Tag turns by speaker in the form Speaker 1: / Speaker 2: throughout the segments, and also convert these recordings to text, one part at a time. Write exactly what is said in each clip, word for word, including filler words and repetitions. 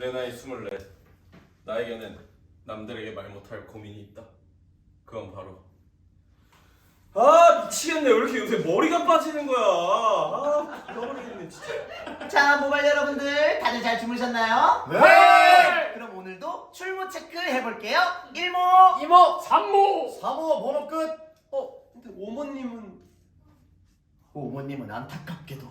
Speaker 1: 내 나이 스물넷. 나에게는 남들에게 말 못할 고민이 있다. 그건 바로 아 미치겠네. 왜 이렇게 요새 머리가 빠지는 거야. 아 미쳐버리겠네 진짜.
Speaker 2: 자, 모바일 여러분들 다들 잘 주무셨나요?
Speaker 3: 네!
Speaker 2: 그럼 오늘도 출모 체크 해볼게요. 일모,
Speaker 3: 이모, 삼모,
Speaker 4: 사모 번호 끝.
Speaker 1: 어 근데 오모님은
Speaker 2: 오모님은 안타깝게도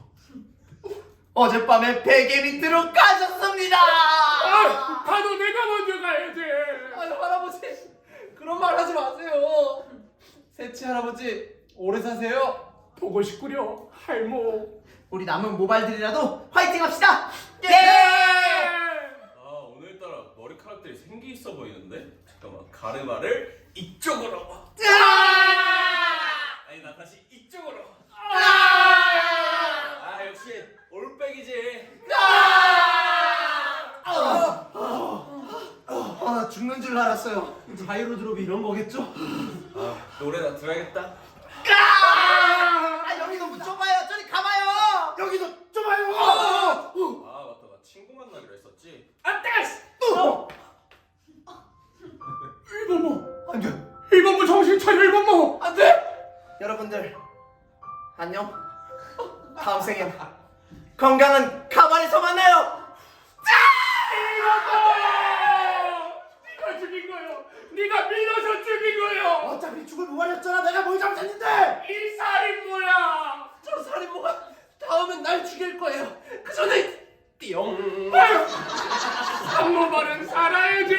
Speaker 2: 어젯밤에 베개 밑으로 가셨습니다.
Speaker 3: 아, 가도 내가 먼저 가야지.
Speaker 4: 아유 할아버지 그런 말 하지 마세요. 세치 할아버지 오래 사세요.
Speaker 3: 보고 싶구려, 할모.
Speaker 2: 우리 남은 모바일들이라도 화이팅 합시다. 예!
Speaker 1: 아 오늘따라 머리카락들이 생기 있어 보이는데? 잠깐만 가르마를 이쪽으로. 아니 나 다시 이쪽으로. 아 역시 올백이지.
Speaker 2: 아, 죽는 줄 알았어요.
Speaker 4: 자이로 드롭이 이런 거겠죠?
Speaker 1: 아 노래나 들어야겠다.
Speaker 2: 아, 여기 너무 좁아요. 저리 가봐요.
Speaker 4: 여기도 좁아요.
Speaker 1: 아 맞다 나 친구 만나기로 했었지.
Speaker 3: 안돼.
Speaker 4: 어.
Speaker 3: 일본모,
Speaker 4: 안돼
Speaker 3: 일본모 정신 차려, 일본모.
Speaker 4: 안돼.
Speaker 2: 여러분들 안녕. 다음 생에 건강한 가발에서 만나요.
Speaker 3: 네가 죽인 거요. 네가 밀어서 죽인 거요.
Speaker 4: 어차피 죽을 무말이었잖아. 내가 뭘 잘못했는데.
Speaker 3: 이 살인모야.
Speaker 4: 저 살인모가 다음엔 날 죽일 거예요. 그 전에 띠용.
Speaker 3: 아유, 삼모발은 살아야지.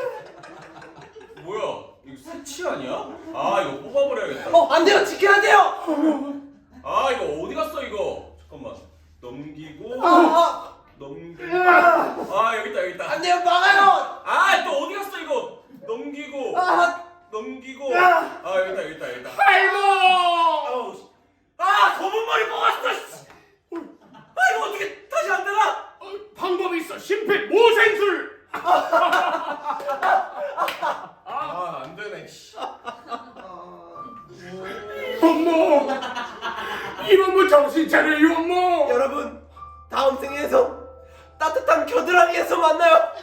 Speaker 1: 뭐야 이거 새치 아니야? 아 이거 뽑아버려야겠다.
Speaker 4: 어 안돼요. 지켜야 돼요.
Speaker 1: 아 이거 어디 갔어 이거? 잠깐만 넘기고
Speaker 4: 아,
Speaker 1: 넘기고 아 여기 있다 여기 있다.
Speaker 4: 안돼요. 막아요.
Speaker 1: 아 또 어디 갔어 이거? 넘기고
Speaker 4: 아,
Speaker 1: 넘기고
Speaker 4: 아.
Speaker 1: 아 여기 있다 여기 있다 여기 있다.
Speaker 3: 할모.
Speaker 1: 아우 씨. 아 검은 머리 뽑았어. 씨. 아 이거 어떻게 다시 안 되나?
Speaker 3: 어, 방법이 있어. 심폐 모생술.
Speaker 1: 아 안 되네. 씨.
Speaker 3: 이범모, 이범모 정신 차려, 이범모.
Speaker 4: 여러분 다음 생에서 따뜻한 겨드랑이에서 만나요.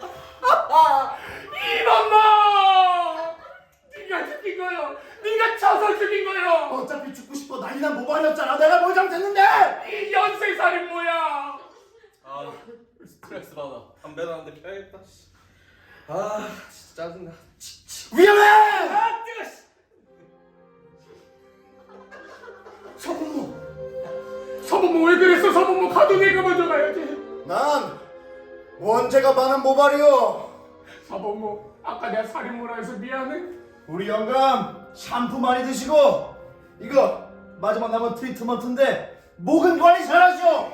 Speaker 3: 이범모, 네가 죽인 거요. 네가 쳐서 죽인 거요.
Speaker 4: 어차피 죽고 싶어 난리난 모발이었잖아. 내가 뭘 잘못했는데.
Speaker 3: 이 연쇄 살인모야.
Speaker 1: 아 스트레스 받아. 담배나 한 대 펴야겠다. 씨. 아 진짜 짜증나.
Speaker 4: 위험해.
Speaker 1: 아 뜨거. 씨.
Speaker 3: 서범모, 서범모 왜 그랬어? 서범모 가도 내가 먼저 가야지.
Speaker 4: 난 원죄가 많은 모발이요.
Speaker 3: 서범모, 아까 내가 살인모라 해서 미안해.
Speaker 4: 우리 영감 샴푸 많이 드시고 이거 마지막 남은 트리트먼트인데 목은 관리 잘하시오.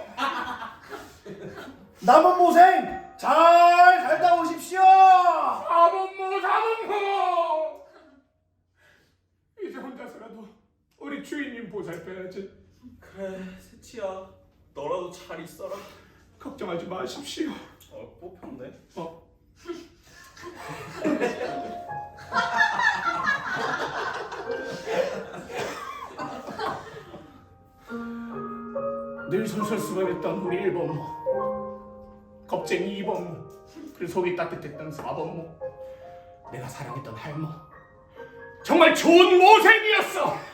Speaker 4: 남은 모생 잘 살다 오십시오.
Speaker 3: 사범모, 사범모. 이제 혼자서라도 우리 주인님 보살펴야지.
Speaker 1: 그래 새치야 너라도 잘 있어라.
Speaker 3: 걱정하지 마십시오.
Speaker 1: 어 뽑혔네.
Speaker 3: 어. 늘 솔솔수건했던 우리 일범모, 겁쟁이 이범모, 그 속이 따뜻했던 사범모, 내가 사랑했던 할모, 정말 좋은 모생이었어.